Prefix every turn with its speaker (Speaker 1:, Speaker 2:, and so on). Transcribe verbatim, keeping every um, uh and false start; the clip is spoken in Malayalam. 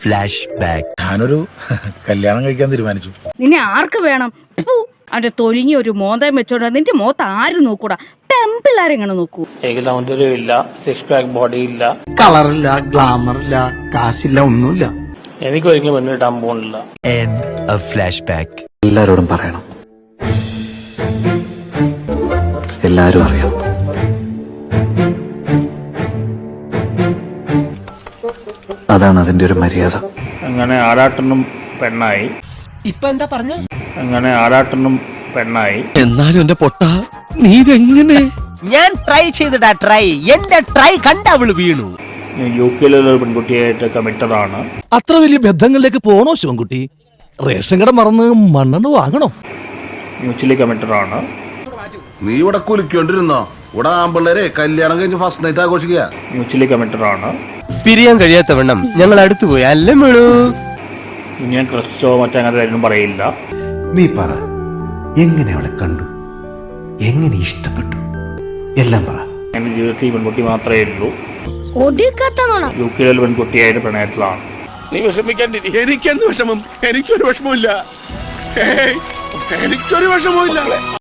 Speaker 1: Flash back.
Speaker 2: ഞാനൊരു കല്യാണം കഴിക്കാൻ തീരുമാനിച്ചു.
Speaker 3: നിന്നെ ആർക്ക് വേണം? അവന്റെ തൊലിങ്ങി ഒരു മോന്തം വെച്ചോണ്ട് നിന്റെ മോത്ത് ആര് നോക്കൂടാ? പെമ്പിള്ളാരെങ്ങനെ നോക്കൂ?
Speaker 4: എനിക്ക് സൗന്ദര്യം ഇല്ല, സിക്സ് പാക്ക് ബോഡി ഇല്ല,
Speaker 5: കളറില്ല, ഗ്ലാമർ ഇല്ല, കാശില്ല, ഒന്നുമില്ല.
Speaker 4: എനിക്ക് ഒരിക്കലും മുന്നിട്ടാൻ പോകുന്നില്ല.
Speaker 1: End of flashback.
Speaker 5: എല്ലാരോടും പറയണം, എല്ലാരും അറിയണം. അതാണ് അതിന്റെ ഒരു മര്യാദ.
Speaker 4: അങ്ങനെ ആരാട്ടനും പെണ്ണായി.
Speaker 6: ഇപ്പൊ എന്താ പറഞ്ഞ?
Speaker 4: അങ്ങനെ ആരാട്ടനും പെണ്ണായി.
Speaker 6: എന്നാലും എന്റെ പൊട്ട നീ ഇതെങ്ങനെ? ഞാൻ ട്രൈ ചെയ്തിടാ ട്രൈ. എന്റെ ട്രൈ കണ്ട അവള് വീണു.
Speaker 4: യു കെയിലുള്ള ഒരു പെൺകുട്ടിയായിട്ട് കമ്മിറ്റഡ് ആണ്.
Speaker 6: അത്ര വലിയ ബന്ധങ്ങളിലേക്ക് പോണോ ശിവൻകുട്ടി? റേഷൻ കട മറന്ന് മണ്ണെണ്ണ വാങ്ങണോ?
Speaker 4: മ്യൂച്വലി കമ്മിറ്റഡ് ആണ്.
Speaker 7: നീ ഇവിടെ കുലിക്കൊണ്ടിരുന്നോ? ഇവിടെ ആമ്പിള്ളേരെ കല്യാണം കഴിഞ്ഞ് ഫസ്റ്റ് നൈറ്റ് ആഘോഷിക്കുക.
Speaker 4: മ്യൂച്വലി കമ്മിറ്റഡ് ആണ്.
Speaker 6: പിരിയാൻ കഴിയാത്ത വണ്ണം ഞങ്ങൾ അടുത്തു പോയി അല്ലേ വേണു?
Speaker 4: ഞാൻ ക്രിസ്റ്റോ മറ്റങ്ങനെ കാര്യം പറയില്ല.
Speaker 5: നീ പറ, എങ്ങനെ അവളെ കണ്ടു, എങ്ങനെ ഇഷ്ടപ്പെട്ടു, എല്ലാം പറ.
Speaker 4: എന്റെ ജീവിതത്തിൽ ഈ പെൺകുട്ടി മാത്രമേ ഉള്ളൂ. യു കെയിലുള്ള പെൺകുട്ടിയായിട്ട് പ്രണയത്തിലാണ്.
Speaker 8: നീ വിഷമിക്കാണ്ടിരി. എനിക്കെന്ത് വിഷമം? എനിക്കൊരു വിഷമമില്ല. എനിക്കൊരു വിഷമവും ഇല്ല.